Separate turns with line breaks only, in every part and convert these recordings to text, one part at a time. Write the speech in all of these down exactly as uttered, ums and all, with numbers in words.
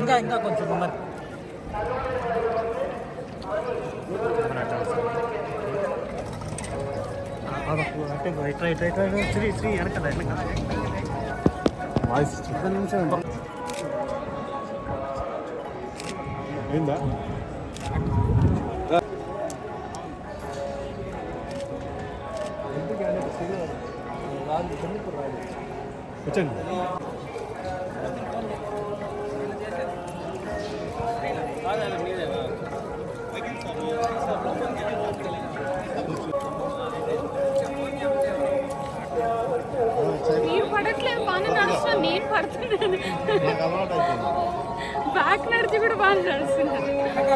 ఇంకా ఇంకా కొంచెం మరి అంటే ఇట్లా ఇట్లా ఇట్లా శ్రీ శ్రీ వెనకాల వెనకాల
వాయిస్ ఒక్క నిమిషం ఏందా వచ్చండి
నీరు పడట్లేదు, బాగానే నడుస్తున్నా. నీరు పడుతున్నాను, బ్యాక్ నడిచి కూడా బాగా నడుస్తున్నాను.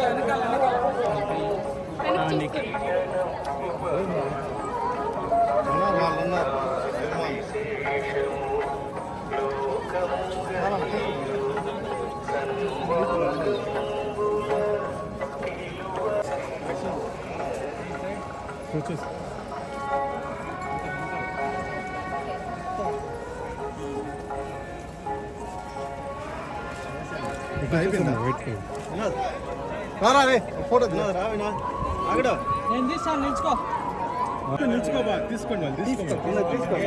ఫోటో రావినా అక్కడ
నేను తీస్తాను, నిల్చుకో
నిల్చుకోబా తీసుకోండి తీసుకోండి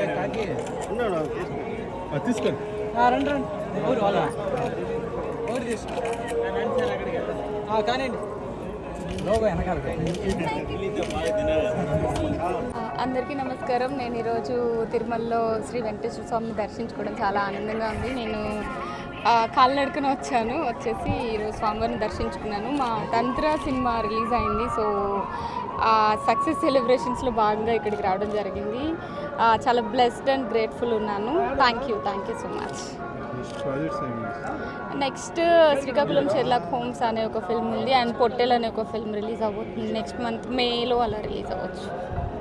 తీసుకోండి
రండి రండి ఊరు వాళ్ళ ఊరు తీసుకో కానీ లోగో వెనకాల.
అందరికీ నమస్కారం. నేను ఈరోజు తిరుమలలో శ్రీ వెంకటేశ్వర స్వామిని దర్శించుకోవడం చాలా ఆనందంగా ఉంది. నేను కాలినడకన వచ్చాను, వచ్చేసి ఈరోజు స్వామివారిని దర్శించుకున్నాను. మా తంత్ర సినిమా రిలీజ్ అయింది, సో సక్సెస్ సెలబ్రేషన్స్లో భాగంగా ఇక్కడికి రావడం జరిగింది. చాలా బ్లెస్డ్ అండ్ గ్రేట్ఫుల్ ఉన్నాను. Thank you thank you so much. Next Srikakulam Sherlock Holmes అనే ఒక ఫిల్మ్ ఉంది, అండ్ పొట్టెల్ అనే ఒక ఫిల్మ్ రిలీజ్ అవ్వబోతుంది నెక్స్ట్ మంత్ మేలో అలా రిలీజ్ అవ్వచ్చు.